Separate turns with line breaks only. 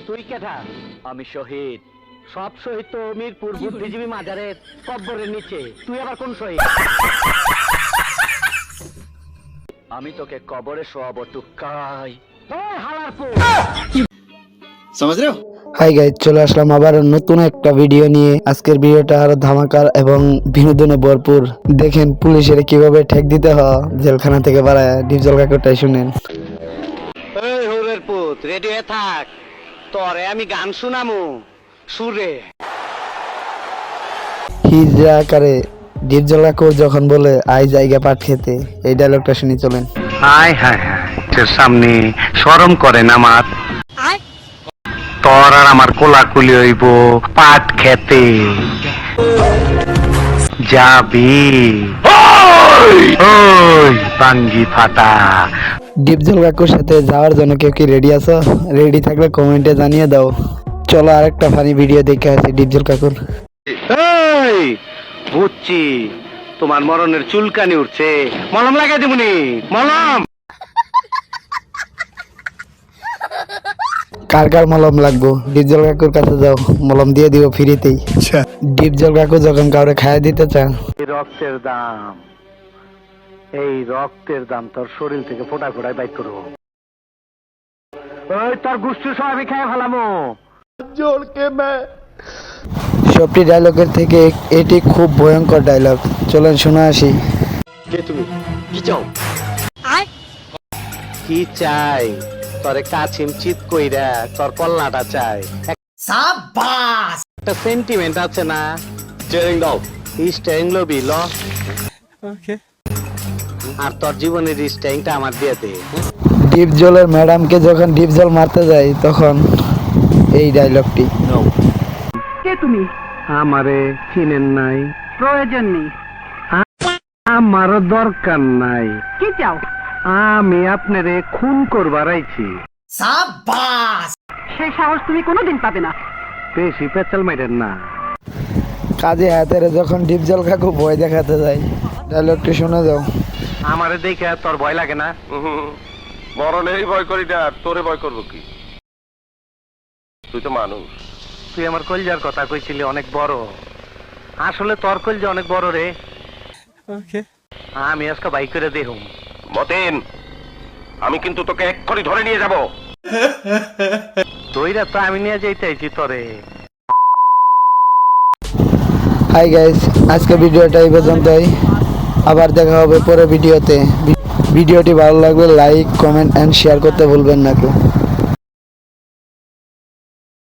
তুই কেটা?
আমি শহীদ।
সব শহীদ তো মিরপুর বুদ্ধিজীবী মাজারের কব্বরের নিচে, তুই আবার কোন শহীদ?
আমি তোকে কবরে শোয়াবো টুকাই।
হালার পো।
समझ रहे हो?
হাই গাইজ, চলে আসলাম আবার নতুন একটা ভিডিও নিয়ে। আজকের ভিডিওটা আরো ধামাকার এবং বিনোদনে ভরপুর। দেখেন পুলিশের কিভাবে ঠেক দিতে হয় জেলখানা থেকে বাড়ায়। ডিপজল কাকুরটাই শুনেন।
এই হরের পুত, রেডি হয়ে থাক, তোরে আমি গান শুনামু সুরে।
হিজরা আকারে ডিপজল কাকুর যখন বলে আই জায়গা পাট খেতে, এই ডায়লগটা শুনি চলেন।
হায় হায় হায়, তোর সামনে শরম করে না আমার? তোর আর আমার কোলাকুলি হইব পাট খেতে যাবি? ওই বাঙ্গি ফাটা।
ডিপজল কাকুর সাথে যাওয়ার জন্য কেউ কি রেডি আছো? রেডি থাকলে কমেন্টে জানিয়ে দাও। চলো আরেকটা ফানি ভিডিও দেখে আসি ডিপজল কাকুর।
এই বুঝছি, তোমার মরণের চুলকানি উঠছে, মলম লাগাই দিবনি? মলম
কার কার মলম লাগবো? ডিপজল কাকুর কাছে যাও, মলম দিয়ে দিব ফ্রিতেই। ডিপজল কাকু যখন কাউরে খাইয়ে দিতে চান,
এই রক্তের দাম, এই রক্তের দাম তোর শরীর থেকে ফোটা ফোটায় বাইক করবো। ওই তোর গুষ্টি সব আমি খাই ফেলামো।
সবটি ডায়লগের থেকে এটি খুব ভয়ঙ্কর ডায়লগ। চলেন শুনে আসি।
কে তুমি? কি চাও?
কি চাই? তোরে কাছিম চিত কইরা তোর কল্লাটা চাই। সাবাস! একটা সেন্টিমেন্ট আছে না?
স্টিয়ারিং দাও।
স্ট্যাং লবি ল। আর তোর জীবনের স্ট্যাংটা আমার দিয়ে দে।
ডিপজলের ম্যাডামকে যখন ডিপজল মারতে যায় তখন এই ডায়লগটি।
কে তুমি?
আমারে চিনেন নাই?
প্রয়োজন নেই।
আমারও দরকার নাই।
কি চাও?
আমি আপনারে খুন করবার আইছি।
সেই সাহস তুমি কোনোদিন পাবে না।
বেশি পেঁচাল মাইরেন না।
কাজে হাতের যখন ডিপজল কাকু ভয় দেখাতে যায়, ডায়লগটি শুনে যাও।
আমারে দেখে তোর ভয় লাগে না?
মরণেরই ভয় করি না, আর তোরে ভয় করবো কি? তুই তো মানুষ।
তুই আমার কলজার কথা কইছিলি অনেক বড়, আসলে তোর কলজা অনেক বড় রে। আমি আজকে বাইক করে দেখুম।
মতেন, আমি কিন্তু তোকে এক্ষুনি ধরে নিয়ে যাব।
দইরা তো আমি নিয়ে যাইতেছি তোরে।
হাই গাইস, আজকে ভিডিওটা এই পর্যন্তই। আবার দেখা হবে পরে ভিডিওতে। ভিডিওটি ভালো লাগলে লাইক, কমেন্ট এন্ড শেয়ার করতে ভুলবেন না কেউ।